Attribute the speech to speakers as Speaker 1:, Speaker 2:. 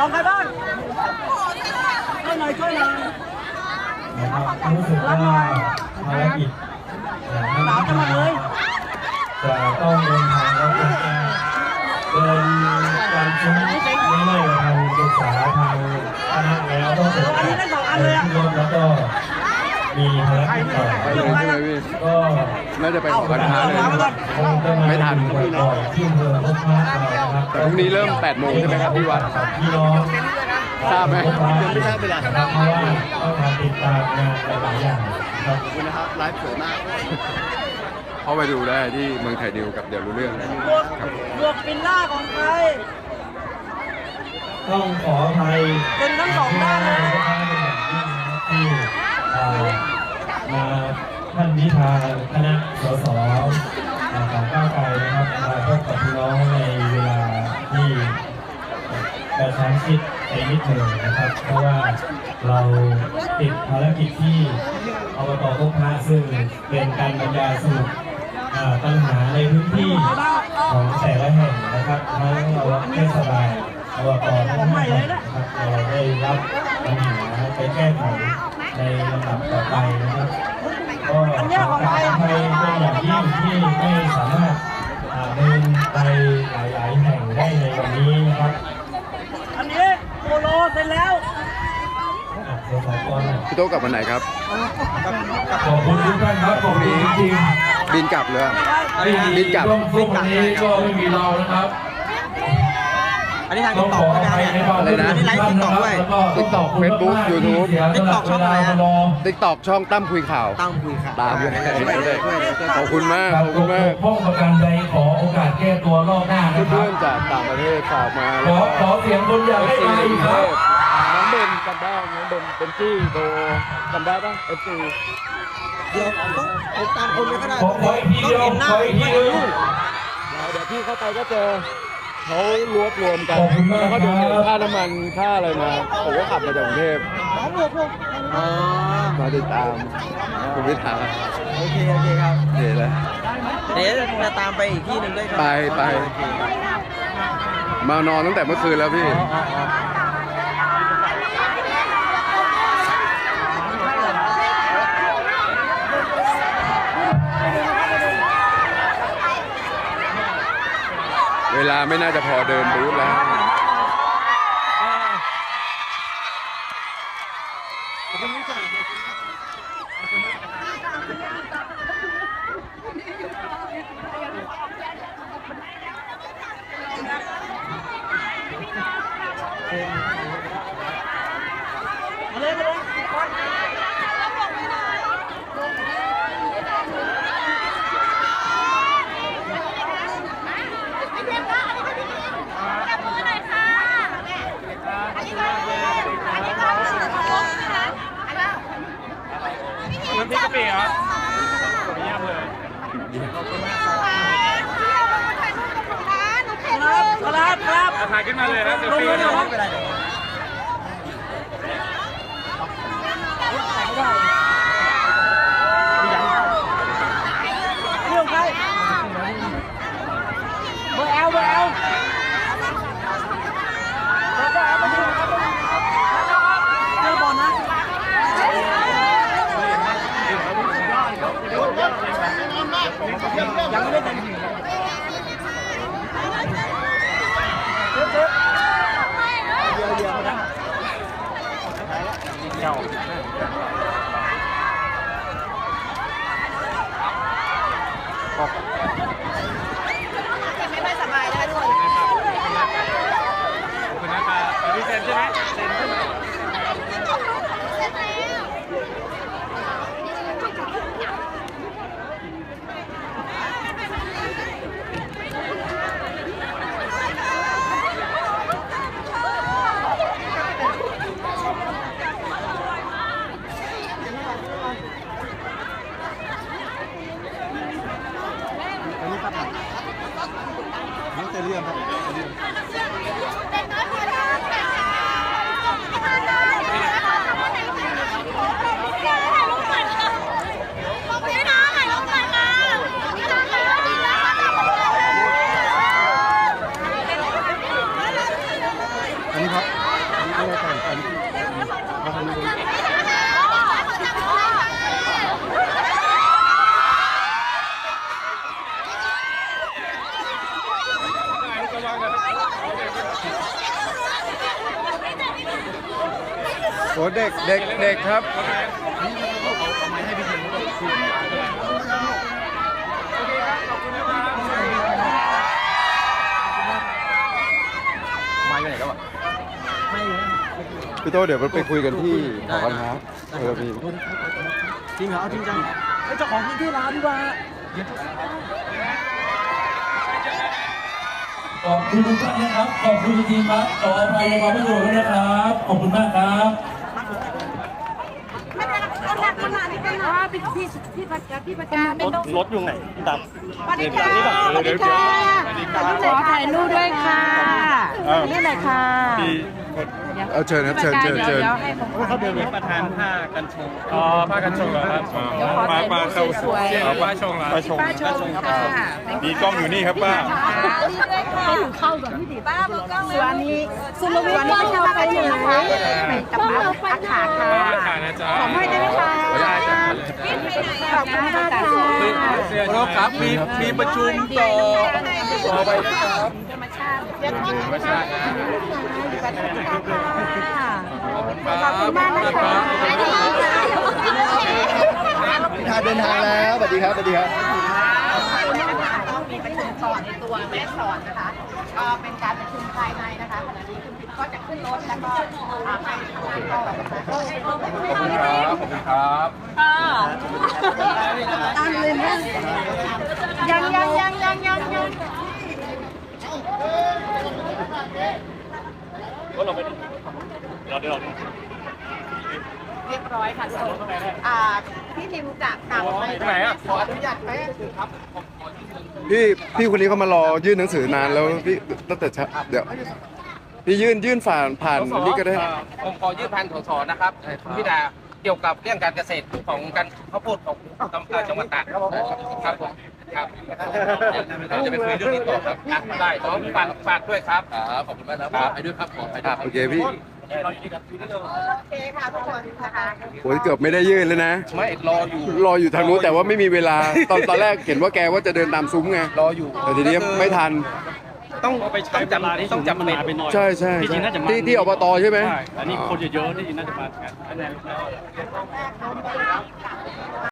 Speaker 1: ของใครบ้างช่วยหน่อยช่วยหน่อย
Speaker 2: นะครับรู้สึกว่าภารกิจ
Speaker 1: สาวจะมาเลย
Speaker 2: จะต้องเดินทางแล้วก็จะเดินการชิ้นไม่ไม่ทางศึกษาทางคณะแล้วต้องเสร็จขึ้นรถแล้วก็มีภารกิจต่อไปก็
Speaker 3: น่าจะไปของวันท้าเลยไม่ทัน
Speaker 2: บ่อยๆที่อำเภอพบพระเรานะครับ
Speaker 3: แต่พรุ่งนี้เริ่ม8 โมงใช่ไหมครับที่วัด
Speaker 2: พี่น้อง
Speaker 3: ทราบไหม
Speaker 2: ยังไม่ทราบเวลาครับเพราะว่าต้องทำติดตามงานหลายๆอย่างครับ
Speaker 3: ขอบคุณนะครับไลฟ์สวยมากเข้าไปดูได้ที่เมืองไทยดิวกับเดี๋ยวรู้เรื่องครับ
Speaker 1: บวกปินล่าของใคร
Speaker 2: ต้องขออภัย
Speaker 1: เป็นทั้งสองด้านเลย
Speaker 2: ที่มาท่านนิทาคณะสสของก้าวไกลนะครับมาพบกับพี่น้องในเวลาที่กระชั้นชิดในนิดหนึ่งนะครับ เพราะว่าเราติดภารกิจที่อบตพบพระซึ่งเป็นการบรรยายสรุปปัญหาในพื้นที่ของแต่ละแห่งนะครับทั้งเทศบาลอบตทั้งห้าแห่งนะครับเราได้รับปัญหาไปแก้ไขในลำดับต่อไปนะครับก็ขอขออภัยเป็นอย่างยิ่งที่ไม่สามารถเดินไปหลายๆแห่งได้ในวันนี้นะครับ
Speaker 1: อันนี้โปโลเสร็จแล้ว
Speaker 2: เดี๋ยวขอก่อน
Speaker 3: พี่โต๊ะกลับวันไหนครับ
Speaker 2: ขอบคุณทุกท่านครับขอบคุณจริง
Speaker 3: บินกลับเลย
Speaker 2: ๆ
Speaker 3: บินกลับ
Speaker 2: ช่วงนี้ก็ไม่มีเรานะครับ
Speaker 4: อันนี้ทาง
Speaker 2: ต้
Speaker 4: ติ๊
Speaker 2: อก ง
Speaker 4: ต็
Speaker 2: ข
Speaker 4: อก
Speaker 2: ออ
Speaker 4: ใช่ไหม
Speaker 2: ภัยในความ
Speaker 3: อะไรนะ
Speaker 4: อันนี้ไลฟ์ติ๊กต็อกด้วย
Speaker 3: TikTok Facebook YouTube
Speaker 4: TikTok ช่องอะไรอะ
Speaker 3: TikTok ช่องตั้มคุยข่าว
Speaker 4: ตั้งคุยค่ะ
Speaker 3: ตามเลย
Speaker 4: ช่วย
Speaker 3: ขอบคุณมาก
Speaker 2: ค
Speaker 3: ข
Speaker 2: รับ
Speaker 3: อบคุณมาก
Speaker 2: พ้องประกันใดขอโอกาสแก้ตัวรอบหน้านะครั
Speaker 3: เพื่
Speaker 2: บ
Speaker 3: อนๆจากต่างประเทศฝากมา
Speaker 2: ขอเสียงคนอยากให้มาอีกครับ
Speaker 3: น้องเบนจำได้น้องเบนเป็นที่โดจำได้ป่ะ FC
Speaker 4: เดี๋ยวต้องผมตามคนไม่ก็ได้
Speaker 2: ขออีกทีเดียว
Speaker 4: ต้องเห็นหน้า
Speaker 2: ขออีกทีนึง
Speaker 3: เดี๋ยวพี่เข้าไปก็เจอเขารวบรวมกัน
Speaker 2: ขอบคุณมาก
Speaker 3: แล้วก็โดน
Speaker 2: ครับ
Speaker 3: ค่าน้ำมันค่าอะไรมาผมก็ขับมาจากกรุงเทพ
Speaker 4: อ๋อ
Speaker 3: มาติดตามคุณพิธา
Speaker 4: โอเคครับ
Speaker 3: เดี๋ยวเลย
Speaker 4: เดี๋ยวจะตามไปอีกที่หนึ่งด้วยครับ
Speaker 3: ไป
Speaker 4: โอเคครับ
Speaker 3: มานอนตั้งแต่เมื่อคืนแล้วพี่ เวลาไม่น่าจะพอเดินบูธแล้ว
Speaker 1: มาเลยมาเลย
Speaker 5: น้ำพริกกะปิเหรอเยี่ยมเลย
Speaker 1: ครับ
Speaker 5: ถ่ายขึ้นมาเลยนะเซล
Speaker 1: ลง
Speaker 5: ฟี่
Speaker 1: เลย
Speaker 5: นะ
Speaker 1: นะครับเรื่องใครเบอร์แอลเบอร์แอลเรื่องบอลนะยังไม่ได้แต่งไม่ค่อยสบายนะคะทุกคน
Speaker 5: ขอบคุณนะครับพี่เซนใช่ไหมเซนใช่ไหม
Speaker 4: นี่จะเรื่องครับ
Speaker 3: อันนี้ครับโอ้เด็กเด็กเด็กครับ
Speaker 4: ไม่ไปไหนแล้วอ่ะไม่เลย
Speaker 3: พี่โตเดี๋ยวไปคุยกันที่หอการค้าพี่
Speaker 4: จริงเหรอจริงจังไอ้เจ้าของพื้นที่ร้านดีกว่า
Speaker 1: ขอบคุณทุกท่านนะครับ ขอบคุณจริงๆครับขออภัยในความไม่สะดวกด้วยนะครับ ขอบคุณมากครับ
Speaker 6: ไม่เป็นไรเอาหนักขนาดนี้เป็นหรอพี่ประกาศไม่ต้อง
Speaker 5: รถอยู่ไหนพี่ตับ
Speaker 6: สวัสดีค่ะสวัสดีค่ะขอถ่ายรูปด้วยค่ะนี่ไหนค่ะ
Speaker 3: เอาเชิญครับเชิญเชิญเชิญ
Speaker 5: เขาเดินเป็นประธานผ้ากันชงอ๋อผ้ากันชงเหรอครับมาเข้าสวยผ้าชงเหรอผ้าชง
Speaker 6: ป้าชมค่ะ
Speaker 5: มีกล้องอยู่นี่ครับป้า
Speaker 6: นี่ด้วยค่ะให้ถึงเข้าก่อนพี่ดิป้าบอกกล้องส่วนนี้ส่วนนี้ไม่ทำไปเลยนะคะเป็นกระเป๋าอาขาค่ะ
Speaker 5: ขานะจ๊ะ
Speaker 6: ขอให้ได้ไหมคะ
Speaker 5: ได้จ้ะ
Speaker 6: ขอบคุณมากค่ะ
Speaker 3: เราครับมีประชุมต่อไปนะครับ
Speaker 6: ธรรมชาติเดี๋ยวขอบคุณมากค่ะขอบคุณมากนะคะ
Speaker 4: พิธาเดินทางแล้วสวัสดีครับสวัสดีครับ
Speaker 6: ต้องมีประชุมสอนในตัวแม่สอนนะคะ ก็เป็นการประชุมภายในนะคะขณะนี้คุณพิมก็จะขึ้นรถแล้วก็ไปทำงานต่อนะคะ
Speaker 3: ขอบคุณครับขอบคุณครับ
Speaker 6: ตามเลยนะยัง
Speaker 5: ก็เราไปเราเดี๋ยว
Speaker 6: เรียบร้อยค่ะพี่ทิมจะกลับไป
Speaker 5: ไหนอ่ะ
Speaker 6: ขออนุญาตไหม
Speaker 3: พี่คนนี้เขามารอยื่นหนังสือนานแล้วพี่ตั้งแต่เช้าเดี๋ยวพี่ยื่นผ่านนี่ก็ได้
Speaker 7: ผมขอยื่นพันสสนะครับคุณพิดาเกี่ยวกับเรื่องการเกษตรของการข้าวโพดของจังหวัดตากครับผมครับเราจะไปคุยเรื่องนี้ต่อครับได้ขอฝากด้วยครับขอบคุณมากครับไปด้วยครับขอไปด้วย
Speaker 3: โอเคพี่
Speaker 6: โอเคค่ะทุกคนนะคะ
Speaker 3: โอ้ยเกือบไม่ได้ยื่นเลยนะ
Speaker 7: ไม่รออยู่
Speaker 3: รออยู่ทางนู้นแต่ว่าไม่มีเวลาตอนแรกเห็นว่าแกว่าจะเดินตามซุ้มไง
Speaker 7: รออยู่
Speaker 3: แต่ทีนี้ไม่ทัน
Speaker 7: ต้องไปใช้เวลาที่ต้องจำเป็น
Speaker 3: ใช่ใช่
Speaker 5: จริงๆน่าจะมา
Speaker 3: ที่อบตใช่ไหม
Speaker 5: ใช่อันนี้คนเยอะๆที่น่าจะมากัน